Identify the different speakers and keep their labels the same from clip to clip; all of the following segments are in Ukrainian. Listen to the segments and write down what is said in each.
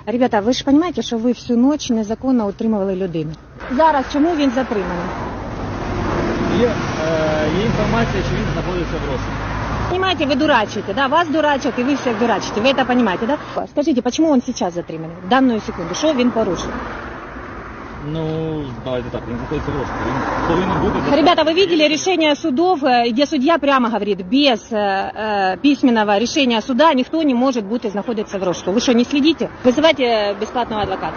Speaker 1: Ребята, ви ж розумієте, що ви всю ніч незаконно утримували людину. Зараз чому він затриманий?
Speaker 2: Є інформація, що він знаходиться в розшуку.
Speaker 1: Понимаете, вы дурачите, да? Вас дурачат, и вы всех дурачите. Вы это понимаете, да? Скажите, почему он сейчас затриманий? В данную секунду. Что він порушил?
Speaker 2: Ну, давайте так, він знаходиться в розшуку. Він повинен бути...
Speaker 1: Ребята, вы видели решение судов, где судья прямо говорит, без письменного решения суда никто не может быть находиться в розшуку. Вы что, не следите? Вызывайте бесплатного адвоката.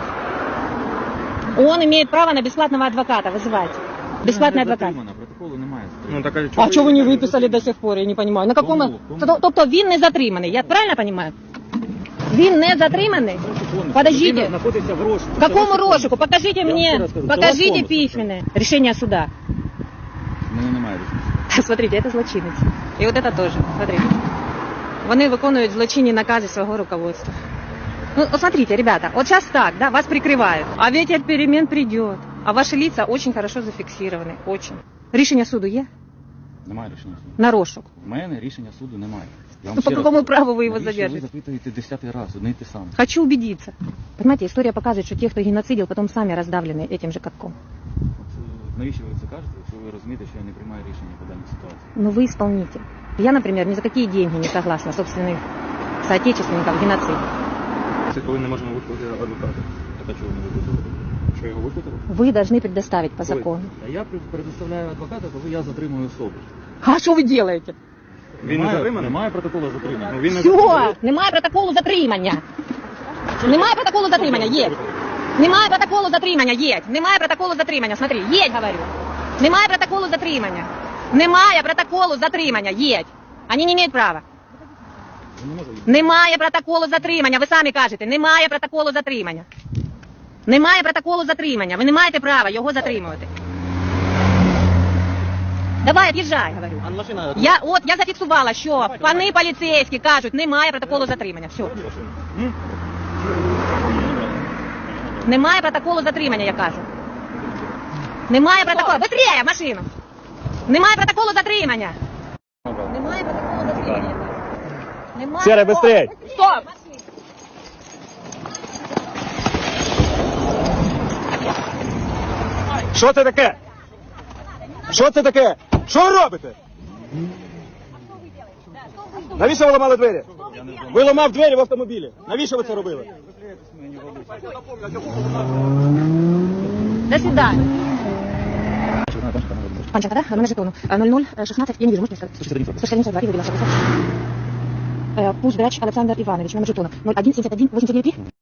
Speaker 1: Он имеет право на бесплатного адвоката. Вызывайте. Бесплатный адвокат.
Speaker 2: Протоколу немає.
Speaker 3: Ну, так,
Speaker 1: А чого ви не виписали до сих пор, я не розумію. На какому...
Speaker 2: Кому?
Speaker 1: Тобто він не затриманий, я правильно розумію? Він не затриманий? Подождите.
Speaker 2: Він знаходиться в розшуку.
Speaker 1: В какому розшуку? Покажите
Speaker 2: Я вам ще
Speaker 1: мне,
Speaker 2: раз кажу,
Speaker 1: покажите
Speaker 2: телефон.
Speaker 1: письменное решение суда.
Speaker 2: У мене немає рішення.
Speaker 1: Смотрите, это злочинец. И вот это тоже, смотрите. Вони виконують злочинні накази свого руководства. Ну, вот смотрите, ребята, вот сейчас так, да, вас прикрывают, а ветер перемен придет, а ваши лица очень хорошо зафиксированы, очень. Рішення суду є?
Speaker 2: Немає рішення суду.
Speaker 1: На розшук.
Speaker 2: У мене рішення суду немає. Я вам
Speaker 1: Ну, по
Speaker 2: ще раз
Speaker 1: какому
Speaker 2: кажу,
Speaker 1: праву вы его
Speaker 2: навіщо
Speaker 1: задержите?
Speaker 2: Ви запитуєте 10-й раз, одне й те саме.
Speaker 1: Хочу убедиться. Понимаете, история показывает, что те, кто геноцидил, потом сами раздавлены этим же катком.
Speaker 2: Навіщо ви це кажете, якщо ви розумієте, що я не приймаю рішення по даній ситуації?
Speaker 1: Но вы исполнитель. Я, например, ни за какие деньги не согласна собственных соотечественников в геноциде.
Speaker 3: це коли не можемо викликати адвоката.
Speaker 2: Так а чого ви не викликали?
Speaker 3: Що його викликали?
Speaker 1: Вы должны предоставить по закону.
Speaker 2: А я предоставляю адвоката, коли я затримую особу.
Speaker 1: А что вы делаете?
Speaker 3: Він не затриманий?
Speaker 2: Немає протоколу затримання.
Speaker 3: Ну, він не
Speaker 1: Все, немає протоколу затримання. Немає протоколу затримання, є. Немає протоколу затримання, є. Немає протоколу затримання, смотри, є, говорю. Немає протоколу затримання. Немає протоколу затримання, є. Вони не мають права.
Speaker 2: Я не можу їх.
Speaker 1: Немає протоколу затримання, ви самі кажете, немає протоколу затримання. Немає протоколу затримання, ви не маєте права його затримувати. Давай, від'їжджай, говорю.
Speaker 2: А машина...
Speaker 1: Я зафіксувала, що пани поліцейські кажуть, немає протоколу затримання. Все. Немає протоколу затримання, я кажу. Немає протоколу. Быстрее в машину. Немає протоколу затримання. Немає протоколу затримання, я кажу. Немає.
Speaker 3: Сера, быстрей.
Speaker 1: Стоп!
Speaker 3: Що це таке? Що це таке? Що ви робите? Навіщо ви ламали двері? Ви ламав двері в автомобілі. Навіщо ви це робили?
Speaker 1: До свидания. Панченко, да? Номер жетону. 0016, я не вижу, можете сказать? 141 я вывела. Пусть Грач Александр Иванович, номер жетона. 0171 89